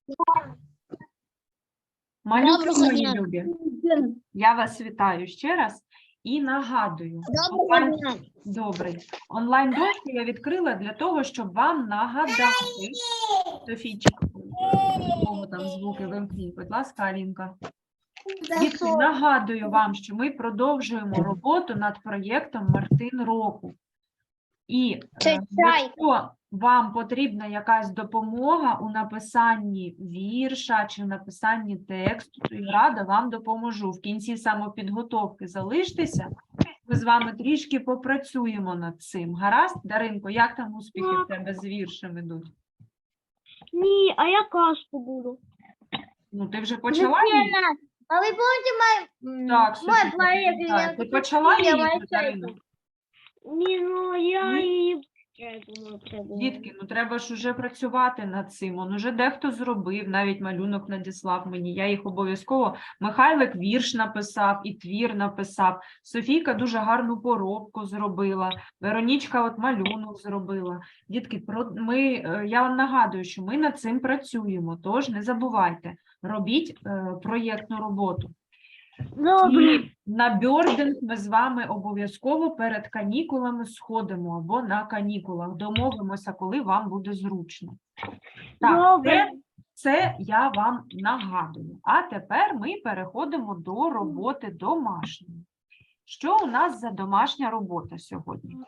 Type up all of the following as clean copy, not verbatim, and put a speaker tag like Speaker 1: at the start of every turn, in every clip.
Speaker 1: Малюки
Speaker 2: Доброго
Speaker 1: мої
Speaker 2: дня.
Speaker 1: любі, я вас вітаю ще раз і нагадую.
Speaker 2: Доброго дня.
Speaker 1: Добрий. Онлайн-дошку я відкрила для того, щоб вам нагадати. Софійчик, кого там звуки вимкніть, будь ласка, Алінка. Дітки, нагадую вам, що ми продовжуємо роботу над проєктом «Мартин року». І якщо вам потрібна якась допомога у написанні вірша чи написанні тексту, то я рада вам допоможу. В кінці самопідготовки залиштеся, ми з вами трішки попрацюємо над цим. Гаразд? Даринко, як там успіхи в тебе з віршем ідуть?
Speaker 2: Ні, а я казку буду.
Speaker 1: Ну, ти вже почала її?
Speaker 2: А ви помните
Speaker 1: Так,
Speaker 2: мой
Speaker 1: Софійка,
Speaker 2: проект?
Speaker 1: так. Ти почала її, Дарина?
Speaker 2: Ні, ну я
Speaker 1: Ні?
Speaker 2: її...
Speaker 1: Дітки, ну треба ж уже працювати над цим. Он уже дехто зробив, навіть малюнок надіслав мені. Я їх обов'язково. Михайлик вірш написав і твір написав. Софійка дуже гарну поробку зробила. Веронічка от малюнок зробила. Дітки, я вам нагадую, що ми над цим працюємо, тож не забувайте, робіть проєктну роботу. І на бьординг ми з вами обов'язково перед канікулами сходимо або на канікулах. Домовимося, коли вам буде зручно. Так, це я вам нагадую. А тепер ми переходимо до роботи домашньої. Що у нас за домашня робота сьогодні?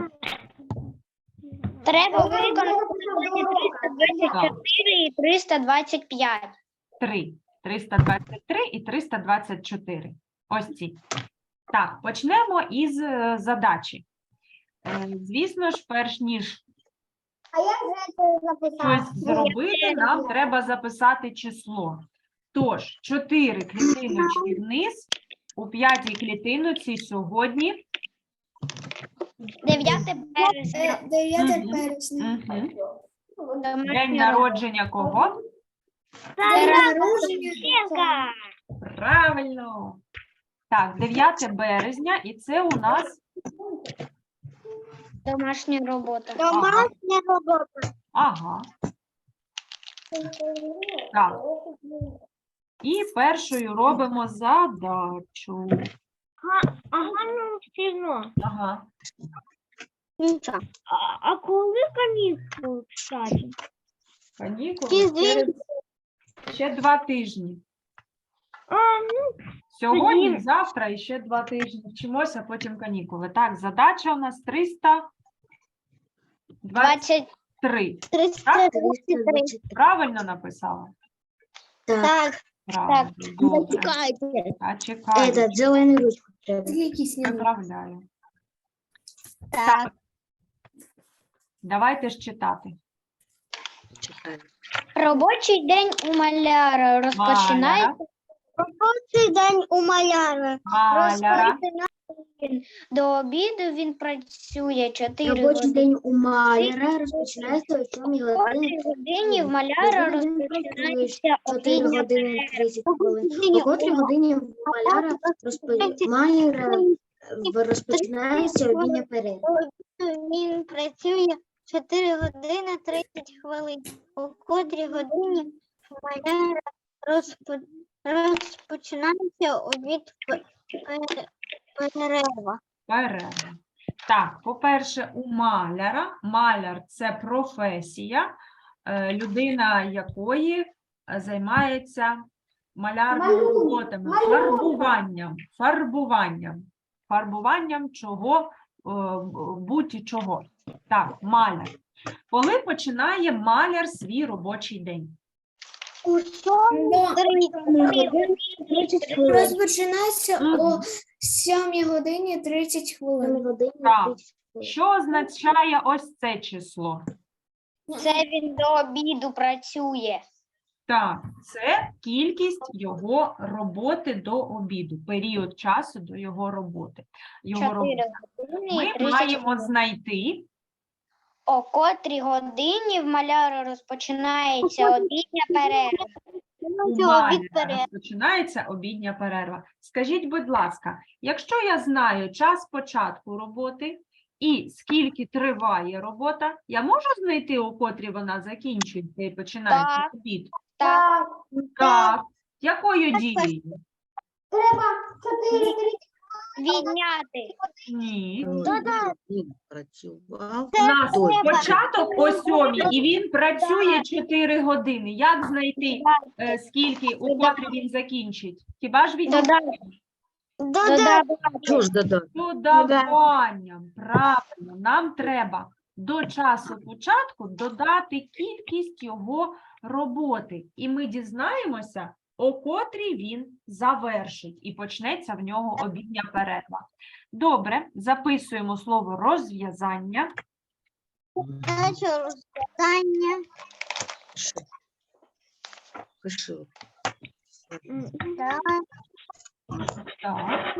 Speaker 2: Треба виконати 324 і 325.
Speaker 1: 323 і 324. Ось ці. Так, почнемо із задачі. Звісно ж, перш ніж щось зробити, нам треба записати число. Тож, 4 клітиночки вниз, у 5-й клітиночці сьогодні
Speaker 2: 9 березня.
Speaker 3: 9 березня.
Speaker 1: День народження кого? Правильно. Так, 9 березня, і це у нас
Speaker 2: Домашня робота.
Speaker 3: Домашня робота.
Speaker 1: ага. Так. І першою робимо задачу.
Speaker 2: Ага, ну сильно.
Speaker 1: Ага.
Speaker 2: А коли канікули, кстати?
Speaker 1: Канікули ще 2 тижні.
Speaker 2: Ну,
Speaker 1: Сьогодні,
Speaker 2: тоді-
Speaker 1: завтра і ще 2 тижні вчимося, потім канікули. Так, задача у нас 323.
Speaker 2: 333.
Speaker 1: Правильно написала?
Speaker 3: Так.
Speaker 1: Правильно. Добре. А чекаю.
Speaker 3: зелену ручку треба.
Speaker 1: Виправляю.
Speaker 2: Так.
Speaker 1: Давайте ж читати.
Speaker 2: Робочий день у маляра розпочинається.
Speaker 3: Робочий день у маляра.
Speaker 1: Маляра.
Speaker 2: До обіду він працює 4
Speaker 3: Робочий
Speaker 2: години.
Speaker 3: день у маляра розпочинається о 7
Speaker 2: О
Speaker 3: годині.
Speaker 2: 3 годині в маляра розпочинається
Speaker 3: 4
Speaker 2: обідня
Speaker 3: години 30 хвилин. О котрій годині в маляра розпочинається обідня перерва.
Speaker 2: Він працює 4 години 30 хвилин. У котрій годині в маляра розпочинається обід перерва.
Speaker 1: Перерва. Так, по-перше, у маляра. Маляр – це професія, людина якої займається малярними роботами, фарбуванням чого, будь-чого. Так, маляр. Коли починає маляр свій робочий день?
Speaker 2: У
Speaker 3: 30 хвилин.
Speaker 4: Розпочинається о 7 годині 30 хвилин.
Speaker 1: Так. Що означає ось це число?
Speaker 2: Це він до обіду працює.
Speaker 1: Так, це кількість його роботи до обіду, період часу до його роботи.
Speaker 2: 4 години
Speaker 1: Ми
Speaker 2: і 30
Speaker 1: маємо знайти,
Speaker 2: О котрій годині в маляра розпочинається обідня перерва.
Speaker 1: у маляра розпочинається обідня перерва. Скажіть, будь ласка, якщо я знаю час початку роботи і скільки триває робота, я можу знайти, у котрій вона закінчується і починається обід?
Speaker 2: Так.
Speaker 1: Так. Якою дією?
Speaker 2: Відняти.
Speaker 1: Ні.
Speaker 5: Він працював.
Speaker 1: У нас
Speaker 5: Добре.
Speaker 1: початок о 7 і він працює 4 години. Як знайти, скільки, у котрі він закінчить? Хіба ж відняти?
Speaker 5: Чого ж додати?
Speaker 1: Додаванням. Правильно. Нам треба до часу початку додати кількість його роботи. І ми дізнаємося, о котрій він завершить. І почнеться в нього обідня перерва. Добре, записуємо слово розв'язання.
Speaker 2: Задача розв'язання.
Speaker 5: Пиши.
Speaker 2: Так.
Speaker 1: Так.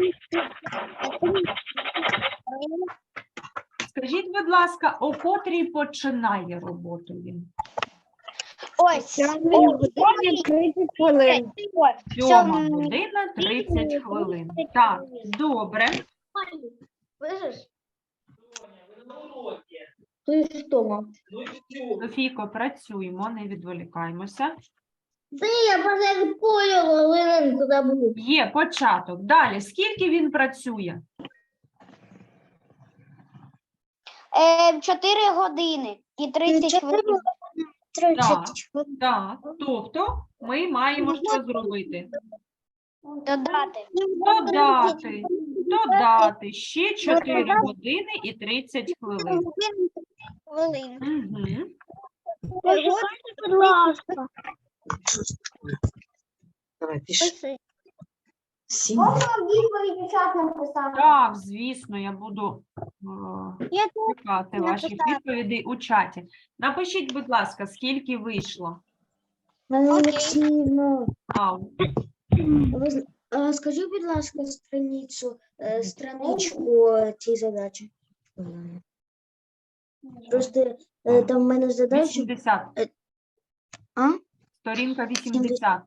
Speaker 1: Скажіть, будь ласка, о котрій починає роботу він?
Speaker 2: Ось.
Speaker 1: 7 година 30 хвилин. Так, добре. Софійко, працюємо, не відволікаємося. Є початок. Далі, скільки він працює?
Speaker 2: 4 години і 30 хвилин.
Speaker 1: Так, тобто ми маємо що зробити?
Speaker 2: Додати.
Speaker 1: Додати ще 4 години і 30 хвилин. Угу.
Speaker 2: Будь ласка.
Speaker 5: Давай, пиши. 7.
Speaker 1: Так, звісно, я буду
Speaker 2: Я
Speaker 1: чекати ваших відповідей у чаті. Напишіть, будь ласка, скільки вийшло? Ау.
Speaker 3: Скажи, будь ласка, страничку цієї задачі. Просто там в мене задача.
Speaker 1: 80.
Speaker 3: А?
Speaker 1: Сторінка 80.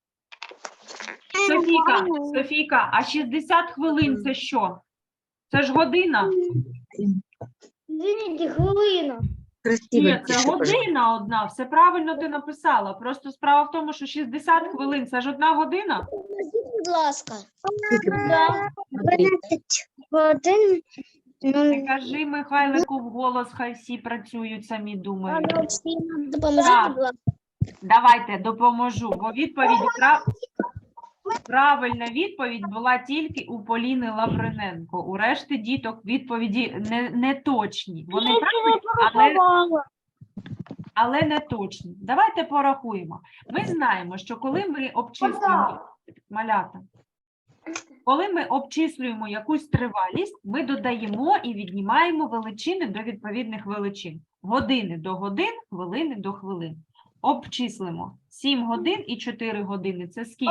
Speaker 1: Софійка, а 60 хвилин це що? Це ж година?
Speaker 2: хвилина.
Speaker 5: Красиво
Speaker 1: Ні, це
Speaker 5: пиши, пожалуйста.
Speaker 1: година одна. Все правильно ти написала. Просто справа в тому, що 60 хвилин – це ж одна година?
Speaker 2: Будь ласка.
Speaker 5: Смотри.
Speaker 2: 12 годин.
Speaker 1: Не кажи Михайлику вголос, хай всі працюють, самі думають.
Speaker 2: Допоможіть,
Speaker 1: Так.
Speaker 2: будь ласка.
Speaker 1: Давайте, допоможу, бо правильна відповідь була тільки у Поліни Лавриненко. У решти діток відповіді не точні. Вони правильні, але не точні. Давайте порахуємо. Ми знаємо, що коли ми обчислюємо малята, коли ми обчислюємо якусь тривалість, ми додаємо і віднімаємо величини до відповідних величин. Години до годин, хвилини до хвилин. Обчислимо. 7 годин і 4 години. Це скільки?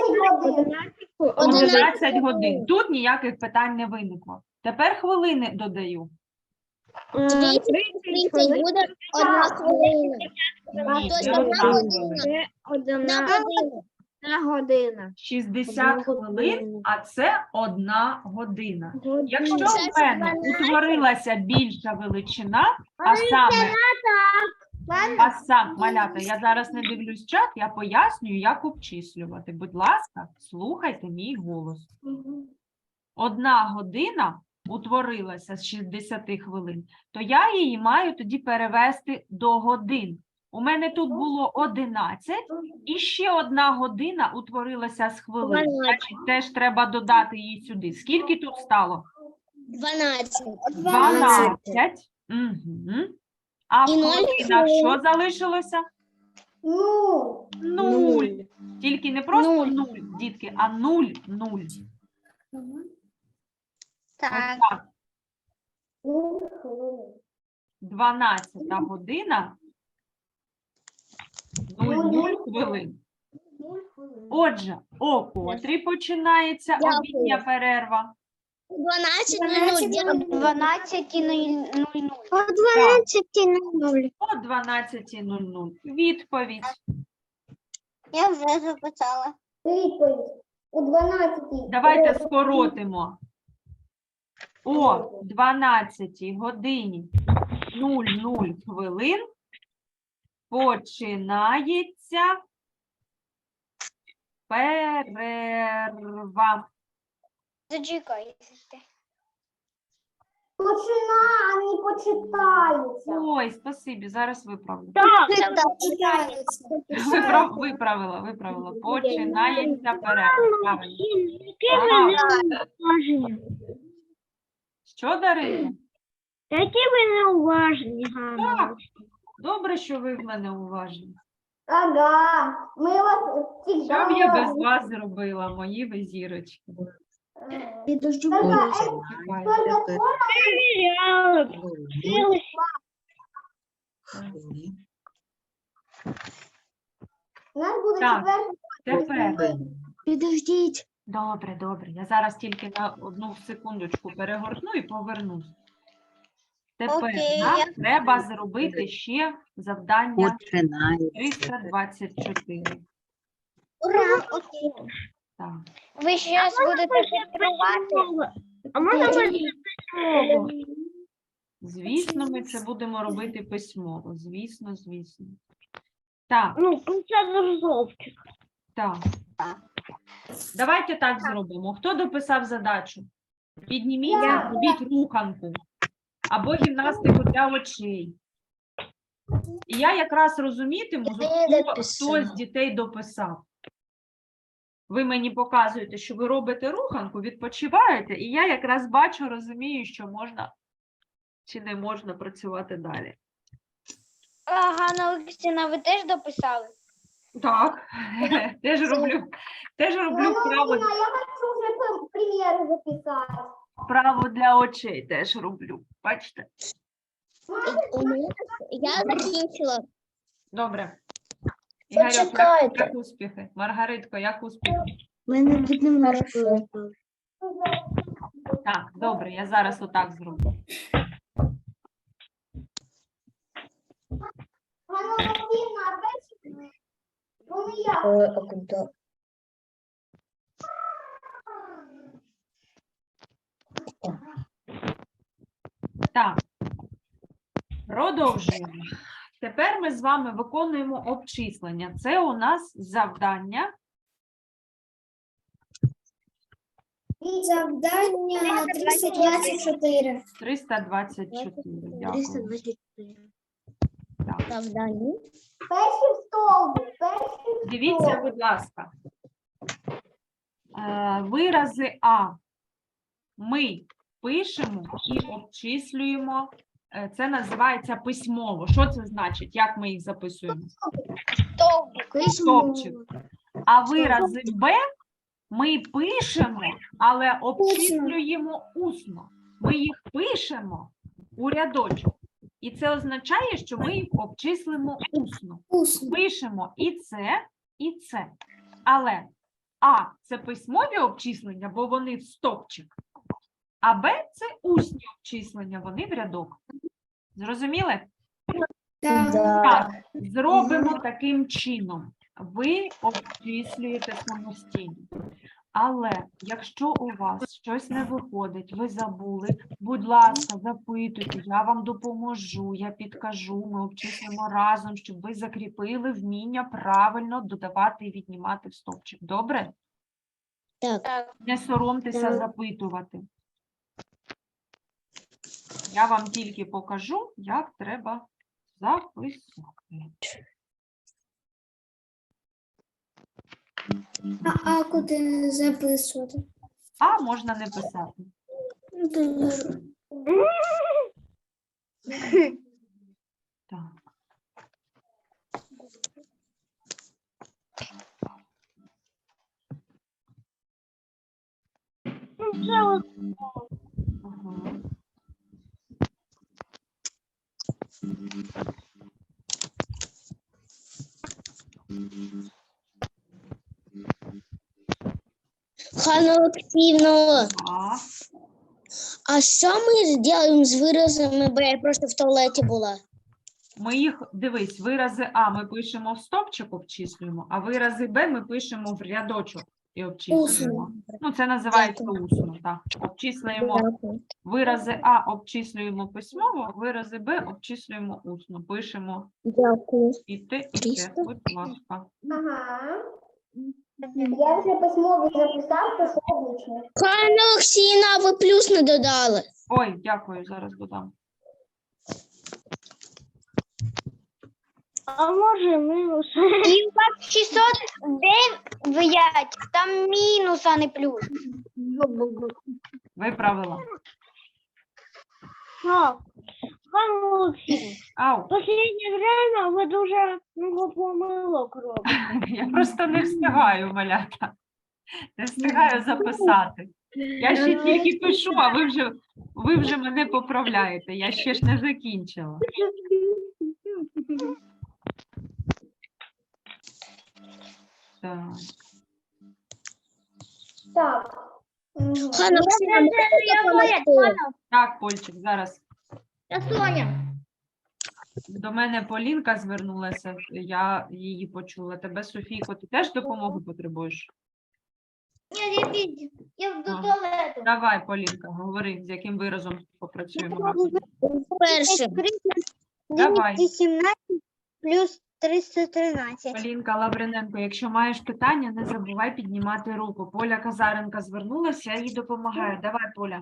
Speaker 1: 11 годин. Тут ніяких питань не виникло. Тепер хвилини додаю.
Speaker 2: 30 буде 1 хвилина.
Speaker 1: Ні,
Speaker 2: Тобто
Speaker 1: не
Speaker 2: одна
Speaker 1: одна
Speaker 2: година.
Speaker 3: година.
Speaker 1: 60 хвилин, а це 1 година. Якщо
Speaker 2: Це
Speaker 1: в мене утворилася більша величина, а саме, малята, я зараз не дивлюсь чат, я пояснюю, як обчислювати. Будь ласка, слухайте мій голос. 1 година утворилася з 60 хвилин, то я її маю тоді перевести до годин. У мене тут було 11, і ще 1 година утворилася з хвилин. Значить, теж треба додати її сюди. Скільки тут стало?
Speaker 2: 12.
Speaker 1: 12. Угу. А в
Speaker 2: І 0
Speaker 1: хвилинах
Speaker 2: хвилин.
Speaker 1: що залишилося? 0. Тільки не просто 0, дітки, а 0, 0.
Speaker 2: Так.
Speaker 1: Ось так. 12 година, 00 хвилин. Отже, о котрій починається
Speaker 2: Дякую.
Speaker 1: обідня перерва?
Speaker 2: 12:00. 12:00.
Speaker 1: О 12:00. Відповідь.
Speaker 2: Я вже записала.
Speaker 1: Давайте скоротимо. О 12 годині 00 хвилин починається Перерва.
Speaker 2: Зачекайте.
Speaker 6: Почина, а не почитається.
Speaker 1: Ой, спасибі, зараз виправлю.
Speaker 4: Читається.
Speaker 1: Виправила. Починається перерва. Правильно. Ага. Що, Дарина?
Speaker 6: Які ви неуважні,
Speaker 1: Так, добре, що ви в мене уважні.
Speaker 6: Ага, ми вас
Speaker 1: Що б я без вас зробила, мої ви зірочки?
Speaker 3: Підожди,
Speaker 5: Починає.
Speaker 1: Чекайте.
Speaker 5: Хвилин.
Speaker 6: У нас буде
Speaker 1: Так.
Speaker 6: четвертий.
Speaker 1: Тепер.
Speaker 3: підождіть.
Speaker 1: Добре. Я зараз тільки на одну секундочку перегорну і повернусь. Тепер
Speaker 2: Окей,
Speaker 1: нам
Speaker 2: я-
Speaker 1: треба зробити ще завдання
Speaker 5: Починає.
Speaker 1: 324.
Speaker 2: Ура, окей.
Speaker 1: Так.
Speaker 2: Ви зараз будете шифрувати?
Speaker 6: А можна
Speaker 1: Звісно, ми це будемо робити письмово. Звісно. Так,
Speaker 6: Ну, це жовтий.
Speaker 1: так. Давайте так зробимо. Хто дописав задачу? Підніміться, робіть руханку або гімнастику для очей. І я якраз розумітиму, хто з дітей дописав. Ви мені показуєте, що ви робите руханку, відпочиваєте, і я якраз бачу, розумію, що можна чи не можна працювати далі.
Speaker 2: Ганна Олексійовна, ви теж дописали?
Speaker 1: Так, теж роблю вправо,
Speaker 6: Я хочу вже приміри записати.
Speaker 1: вправо для очей, теж роблю. Бачите?
Speaker 2: Я закінчила.
Speaker 1: Добре. Ігорьок, як успіхи? Маргаритко, як успіхи?
Speaker 3: У мене під немножко.
Speaker 1: Так, добре, я зараз отак зроблю.
Speaker 6: Ганна Олексійовна, а бачите? Вони як?
Speaker 1: Так, продовжуємо. Тепер ми з вами виконуємо обчислення. Це у нас завдання.
Speaker 4: Завдання 324.
Speaker 1: 324. Дякую.
Speaker 3: 324.
Speaker 1: Так.
Speaker 6: Перший стовбик,
Speaker 1: Дивіться, будь ласка. Вирази А ми пишемо і обчислюємо. Це називається письмово. Що це значить? Як ми їх записуємо? Стовпчик. А вирази Б ми пишемо, але обчислюємо усно. Ми їх пишемо у рядочок. І це означає, що ми їх обчислимо усно. Пишемо і це. Але А – це письмові обчислення, бо вони в стовпчик. А Б – це усні обчислення, вони в рядок. Зрозуміли? Так, зробимо таким чином. Ви обчислюєте самостійно. Але якщо у вас щось не виходить, ви забули, будь ласка, запитуйте, я вам допоможу, я підкажу, ми обчислимо разом, щоб ви закріпили вміння правильно додавати і віднімати в стовпчик. Добре?
Speaker 2: Так.
Speaker 1: Не соромтеся запитувати. Я вам тільки покажу, як треба записати.
Speaker 4: А куди записувати?
Speaker 1: А можна не писати. Так. Ага.
Speaker 7: Ганна Олексіївна,
Speaker 1: Так.
Speaker 7: а що ми зробимо з виразами, бо я просто в туалеті була?
Speaker 1: Ми їх, дивись, вирази А ми пишемо в стовпчик, обчислюємо, а вирази Б ми пишемо в рядочок і обчислюємо. Ну, це називається усно, так. Обчислюємо вирази А, обчислюємо письмово, вирази Б обчислюємо усно. Пишемо
Speaker 7: Дякую.
Speaker 1: і те, будь ласка.
Speaker 6: Ага. Я вже письмово записав, то що обично.
Speaker 7: Ганна Олексіївна, а ви плюс не додали.
Speaker 1: Ой, дякую, зараз додам.
Speaker 6: А може мінус?
Speaker 2: І у вас 609, там мінус, а не плюс.
Speaker 1: Виправила.
Speaker 6: Так. Ганна Олексіївна,
Speaker 1: Ау,
Speaker 6: в останнє время ви дуже много помилок робите.
Speaker 1: я просто не встигаю, малята. Не встигаю записати. Я ще тільки пишу, а ви вже мене поправляєте. Я ще ж не закінчила. Так.
Speaker 6: Так.
Speaker 7: Ганна Олексіївна, можете допомогти?
Speaker 1: Так, Польчик, зараз.
Speaker 6: Я Соня.
Speaker 1: До мене Полінка звернулася, я її почула. Тебе, Софійко, ти теж допомоги потребуєш?
Speaker 6: Ні, я до
Speaker 1: Ага.
Speaker 6: туалету.
Speaker 1: Давай, Полінка, говори, з яким виразом попрацюємо разом.
Speaker 7: Першим.
Speaker 1: Давай.
Speaker 2: 217 плюс 313.
Speaker 1: Полінка Лавриненко, якщо маєш питання, не забувай піднімати руку. Поля Казаренка звернулася, я їй допомагаю. Давай, Поля.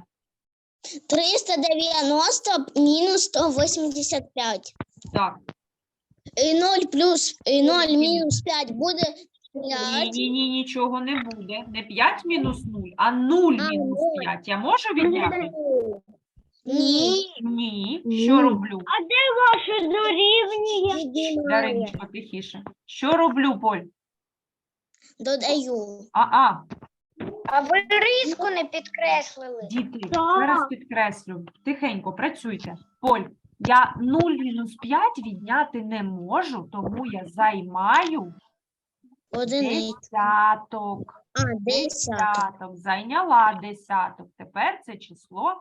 Speaker 7: 390 мінус 185.
Speaker 1: Так.
Speaker 7: І 0 плюс, і 0 мінус 5 буде
Speaker 1: Ні,
Speaker 7: 5.
Speaker 1: ні, нічого не буде. Не 5 мінус 0, а 0 мінус 5. Я можу відняти?
Speaker 7: Ні.
Speaker 1: Ні. Що роблю?
Speaker 6: Ваше дорівнює.
Speaker 1: Дариночко, тихіше. Що роблю, Поль?
Speaker 7: Додаю.
Speaker 2: А ви риску не підкреслили.
Speaker 1: Діти,
Speaker 6: Так.
Speaker 1: зараз підкреслю. Тихенько, працюйте. Поль, я 0 мінус 5 відняти не можу, тому я займаю
Speaker 7: Одиницю.
Speaker 1: десяток.
Speaker 7: А, 10.
Speaker 1: Десяток. Зайняла десяток. Тепер це число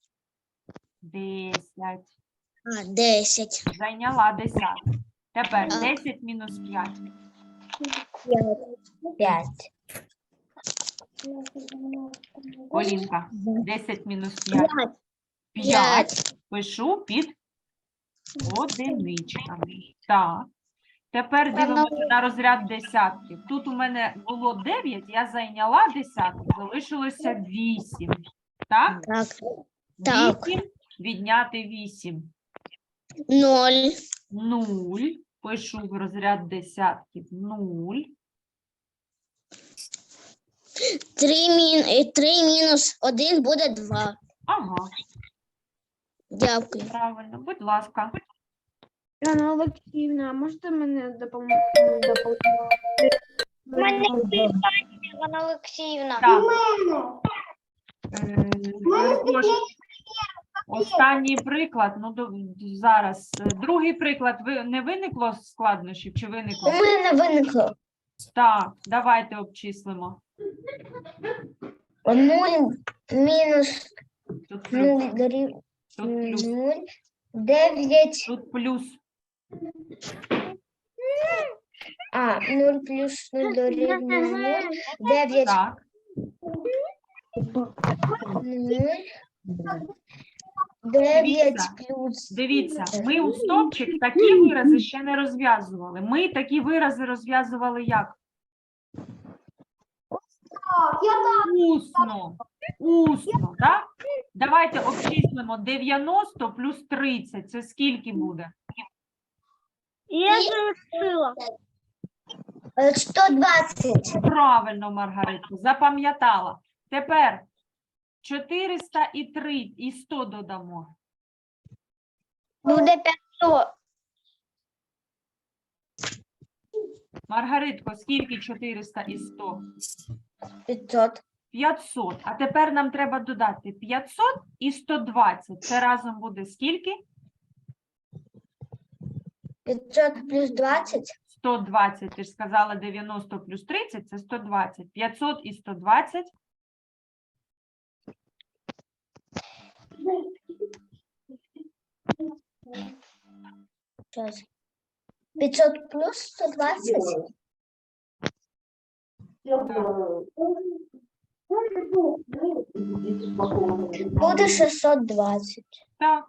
Speaker 1: 10.
Speaker 7: А, 10.
Speaker 1: Зайняла десяток. Тепер
Speaker 7: А.
Speaker 1: 10 мінус 5.
Speaker 7: 5.
Speaker 1: Полінка, 10 мінус 5.
Speaker 7: 5.
Speaker 1: 5. Пишу під одиничками. Так. Тепер дивимося на розряд десятків. Тут у мене було 9, я зайняла десяток, залишилося 8. Так?
Speaker 7: Так. Так.
Speaker 1: 8 відняти 8.
Speaker 7: 0.
Speaker 1: 0. Пишу в розряд десятків 0.
Speaker 7: 3 мінус 1 буде 2.
Speaker 1: Ага,
Speaker 7: Дякую.
Speaker 1: правильно. Будь ласка.
Speaker 3: Ганна Олексіївна, можете мене допомогти?
Speaker 2: У мене питання, Івана Олексіївна.
Speaker 1: Так. Перепрошую. Останній приклад, ну зараз. Другий приклад, не виникло складнощів чи виникло?
Speaker 7: мене виникло.
Speaker 1: Так, давайте обчислимо.
Speaker 7: 0 мінус
Speaker 1: Тут плюс,
Speaker 7: дорівнює
Speaker 1: тут плюс,
Speaker 7: 0, 9.
Speaker 1: тут плюс.
Speaker 7: А, 0 плюс 0 дорівнює 0. 9.
Speaker 1: Так,
Speaker 7: 0. 9 плюс.
Speaker 1: дивіться, ми у стовпчик такі вирази ще не розв'язували. Ми такі вирази розв'язували як? Усно. Усно, так? Давайте обчислимо 90 плюс 30. Це скільки буде?
Speaker 6: Я залишила.
Speaker 7: 120.
Speaker 1: Правильно, Маргаритко, запам'ятала. Тепер 400 і 3 і 100 додамо.
Speaker 2: Буде 500.
Speaker 1: Маргаритко, скільки 400 і 100?
Speaker 7: 500.
Speaker 1: 500. А тепер нам треба додати 500 і 120. Це разом буде скільки?
Speaker 7: 500 плюс 20.
Speaker 1: 120. Ти ж сказала 90 плюс 30 – це 120. 500 і 120.
Speaker 7: Сейчас. 500 плюс 120. Буде 620.
Speaker 1: Так.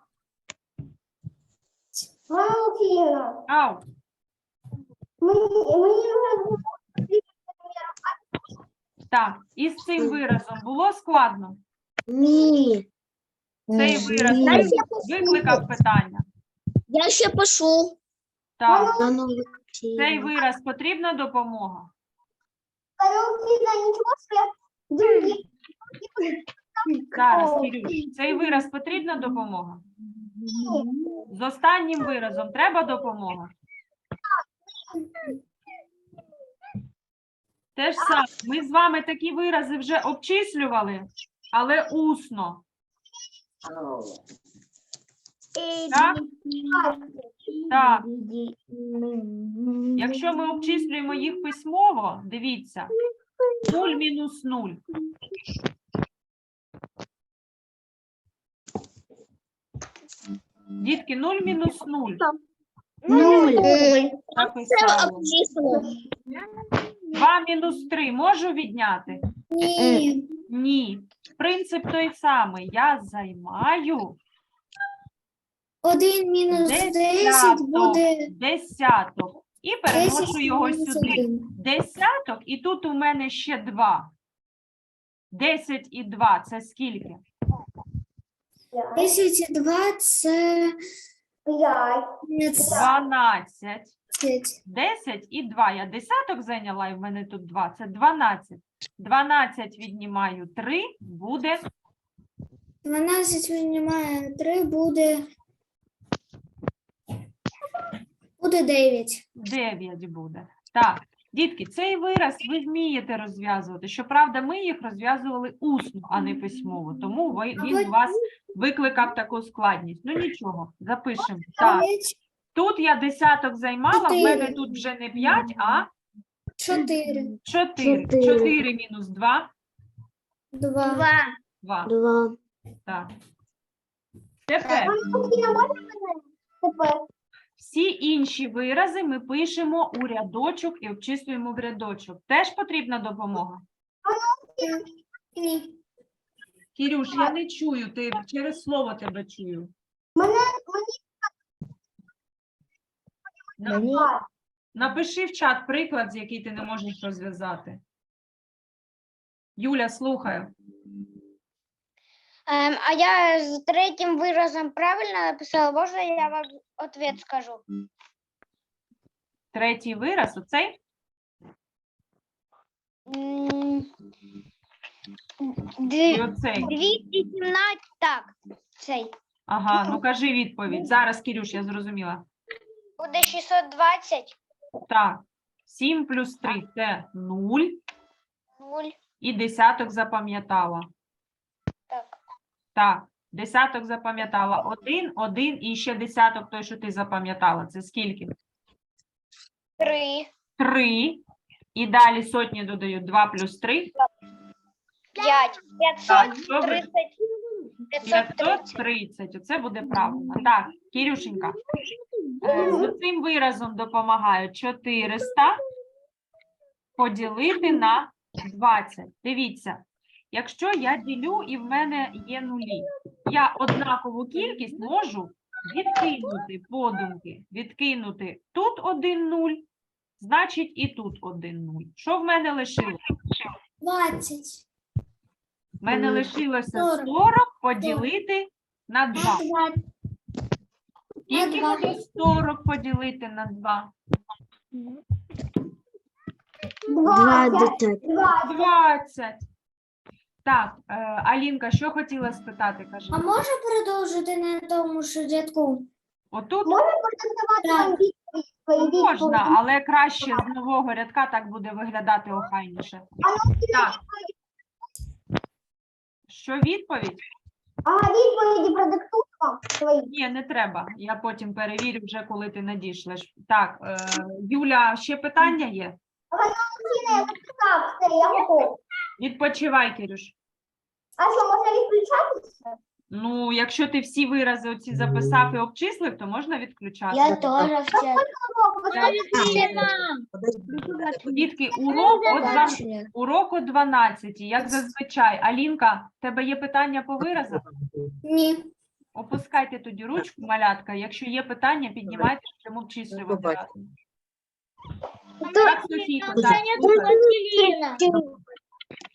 Speaker 6: Валентина,
Speaker 1: Ау.
Speaker 6: мені вже
Speaker 1: Так, і з цим виразом було складно?
Speaker 5: Ні.
Speaker 1: Цей вираз викликав питання?
Speaker 7: Я ще пишу.
Speaker 1: Так,
Speaker 5: Та ну,
Speaker 1: цей вираз потрібна допомога? Зараз, Кирюш, цей вираз потрібна допомога? З останнім виразом треба допомога? Те ж саме, ми з вами такі вирази вже обчислювали, але усно. Так? Так. Якщо ми обчислюємо їх письмово, дивіться, 0 мінус 0. Дітки, 0 мінус 0.
Speaker 7: 0.
Speaker 1: Написали.
Speaker 7: Обчислила.
Speaker 1: 2 мінус 3 можу відняти?
Speaker 4: Ні.
Speaker 1: Ні. Принцип той самий. Я займаю
Speaker 4: 1 мінус 10 буде
Speaker 1: десяток. І переношу
Speaker 4: 10
Speaker 1: його
Speaker 4: мінус
Speaker 1: сюди.
Speaker 4: 1.
Speaker 1: Десяток, і тут у мене ще 2. 10 і 2 – це скільки?
Speaker 4: 10 і 2 це
Speaker 1: 12.
Speaker 4: 15.
Speaker 1: 10 і 2. Я десяток зайняла, і в мене тут 2. Це 12. 12 віднімаю 3, буде
Speaker 4: 12 віднімає 3 буде 9.
Speaker 1: 9 буде. Так, дітки, цей вираз ви вмієте розв'язувати. Щоправда, ми їх розв'язували усно, а не письмово. Тому він у вас викликав таку складність. Ну нічого, запишемо. Так, тут я десяток займала, в мене тут вже не 5, а
Speaker 4: 4.
Speaker 1: 4.
Speaker 5: 4.
Speaker 1: 4 мінус 2 –
Speaker 4: 2.
Speaker 1: 2.
Speaker 5: 2.
Speaker 1: Так. Тепер всі інші вирази ми пишемо у рядочок і обчислюємо в рядочок. Теж потрібна допомога?
Speaker 4: Ні.
Speaker 1: Кирюш, я не чую, ти через слово тебе чую. Напиши в чат приклад, з який ти не можеш розв'язати. Юля, слухаю.
Speaker 2: А я з третім виразом правильно написала? Можна я вам відповідь скажу?
Speaker 1: Третій вираз, оцей? І оцей.
Speaker 2: 217, так, цей.
Speaker 1: Ага, ну кажи відповідь. Зараз, Кирюш, я зрозуміла.
Speaker 2: Буде 620,
Speaker 1: Так, 7 плюс 3 – це 0.
Speaker 2: 0,
Speaker 1: І десяток запам'ятала.
Speaker 2: так.
Speaker 1: Так, десяток запам'ятала. 1, 1 і ще десяток той, що ти запам'ятала. Це скільки?
Speaker 2: 3,
Speaker 1: 3. І далі сотні додають 2 плюс 3.
Speaker 2: 5,
Speaker 1: Так, що ви?
Speaker 2: 530, 530.
Speaker 1: 530. Оце буде правильно. Так, Кирюшенька, з цим виразом допомагаю 400 поділити на 20. Дивіться, якщо я ділю і в мене є нулі, я однакову кількість можу відкинути подумки. Відкинути тут 1 0, значить і тут 1 0. Що в мене лишилося?
Speaker 4: 20.
Speaker 1: В мене лишилося
Speaker 4: 40
Speaker 1: 40 поділити на 2. Скільки
Speaker 4: На
Speaker 1: буде 40 поділити на 2?
Speaker 5: 20.
Speaker 1: 20. Так, Алінка, що хотіла спитати, каже?
Speaker 4: А можна продовжити на тому ж рядку?
Speaker 1: Отут
Speaker 4: Так.
Speaker 1: можна, але краще з нового рядка так буде виглядати охайніше. Так. Що відповідь?
Speaker 2: Відповіді продиктуємо свої.
Speaker 1: Ні, не треба. Я потім перевірю вже, коли ти надішлеш. Так, Юля, ще питання є? Відпочивай, Кирюш.
Speaker 2: А що, можна відключатися?
Speaker 1: Ну, якщо ти всі вирази оці записав і обчислив, то можна відключати.
Speaker 7: Я теж все.
Speaker 1: Дітки, урок о 12, як зазвичай. Алінка, в тебе є питання по виразах?
Speaker 4: Ні.
Speaker 1: Опускайте тоді ручку, малятка. Якщо є питання, піднімайте, щоб обчислювати разом. Так, Софійко, так, слухаю.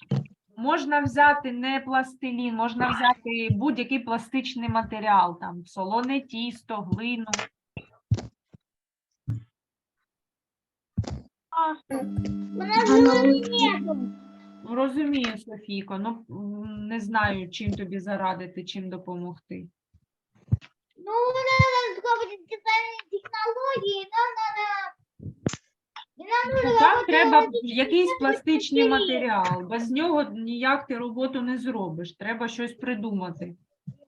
Speaker 1: Можна взяти не пластилін, можна взяти будь-який пластичний матеріал, там солоне тісто, глину. Розумію, Софійко, ну не знаю, чим тобі зарадити, чим допомогти.
Speaker 4: Ну, надо пробовать специальные технологии,
Speaker 1: Там треба якийсь пластичний матеріал. Без нього ніяк ти роботу не зробиш. Треба щось придумати.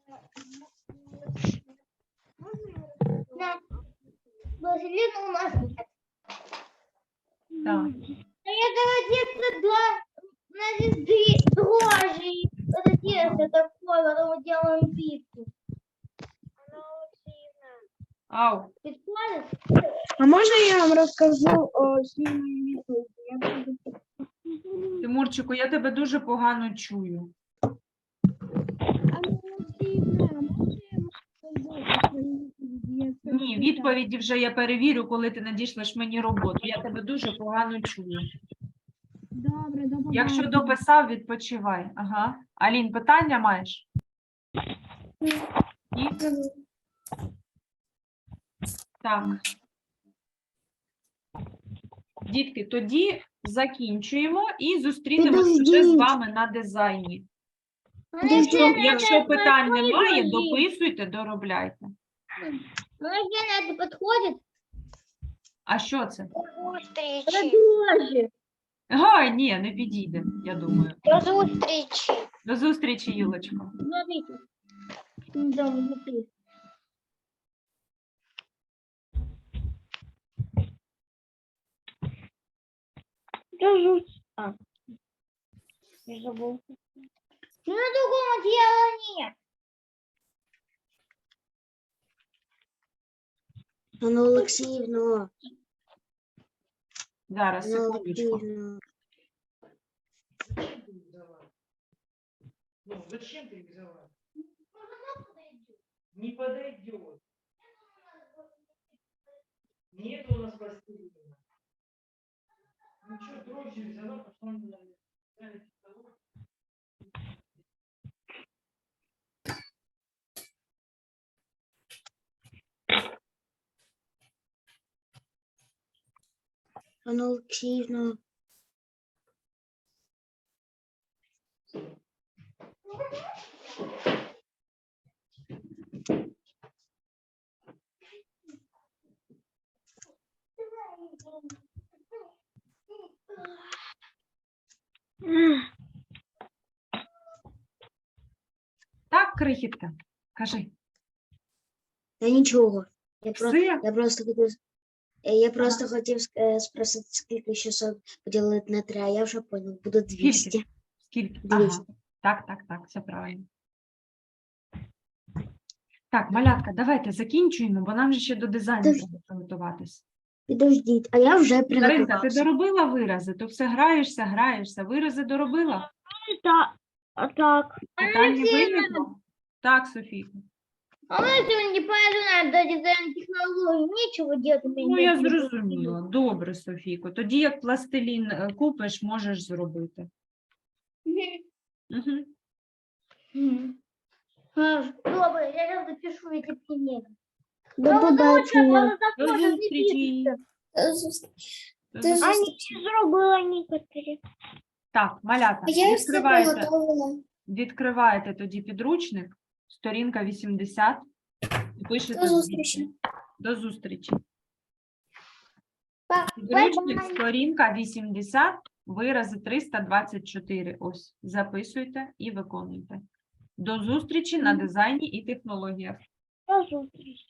Speaker 4: Пластилина у нас нет.
Speaker 1: Так.
Speaker 4: Это где-то дрожжи. Это тесто такое, потом мы делаем пиццу.
Speaker 1: Ау,
Speaker 4: Підходить?
Speaker 6: А можна я вам розкажу о сім'ї відповіді?
Speaker 1: Тимурчику, я тебе дуже погано чую. Ні, відповіді вже я перевірю, коли ти надішлеш мені роботу. Я тебе дуже погано чую.
Speaker 6: Добре, до
Speaker 1: Якщо дописав, відпочивай. Ага. Алін, питання маєш? Ні? Так. Дітки, тоді закінчуємо і зустрінемося вже з
Speaker 5: Підождіть.
Speaker 1: вами на дизайні.
Speaker 5: Подожди,
Speaker 1: Якщо питань немає, дописуйте, доробляйте.
Speaker 4: Ну, на это подходит.
Speaker 1: А що це?
Speaker 2: Зустрічі.
Speaker 6: Дрожжі.
Speaker 1: Га, ні, не підійде, я думаю.
Speaker 2: До зустрічі.
Speaker 1: До зустрічі, Юлочко.
Speaker 4: Смотрите. Да, внутри.
Speaker 6: Я забув.
Speaker 4: Ну, другого дела нет.
Speaker 5: Анна Олексіївна,
Speaker 1: Зараз,
Speaker 5: Анна
Speaker 1: секундочку.
Speaker 5: Олексіївна.
Speaker 8: Ну, зачем ты их взяла? Не подойдет. Нет у нас пластилина. Ну что, дрожжи взяла, пошла на столу.
Speaker 5: Анна Олексіївна.
Speaker 1: Так, крихітка, кажи.
Speaker 5: Та нічого.
Speaker 1: Все?
Speaker 5: Я просто хотів спросити, скільки 600 поділити на 3, а я вже понял, буде 200.
Speaker 1: Скільки?
Speaker 5: 200.
Speaker 1: Ага. Так, все правильно. Так, малятка, давайте закінчуємо, бо нам же ще до дизайну
Speaker 5: Тож-
Speaker 1: треба приготуватись.
Speaker 5: Підождіть, а я вже
Speaker 1: Даринка, ти
Speaker 5: приготувався.
Speaker 1: доробила вирази? То все граєшся. Вирази доробила?
Speaker 6: Так.
Speaker 1: Питань не виникло? Так, Софійко.
Speaker 4: А мы сегодня не пойду на дизайн технологий. Нечего делать. у меня
Speaker 1: Ну, я
Speaker 4: нет.
Speaker 1: зрозуміла. Добре, Софійко. Тоді, як пластилін купиш, можеш зробити. Угу.
Speaker 4: Добре, я сейчас запишу эти примеры.
Speaker 5: До побачення.
Speaker 1: До зустрічі. До зустрічі.
Speaker 6: Зробила некоторі.
Speaker 1: Так, малята,
Speaker 4: Я все
Speaker 1: відкриваєте,
Speaker 4: приготовила.
Speaker 1: відкриваєте тоді підручник, сторінка 80, і пишете
Speaker 4: До зустрічі.
Speaker 1: До зустрічі.
Speaker 4: Па-
Speaker 1: Підручник,
Speaker 4: бай-бай.
Speaker 1: сторінка 80, вирази 324. Ось, записуйте і виконуйте. До зустрічі на дизайні і технологіях.
Speaker 6: До зустрічі.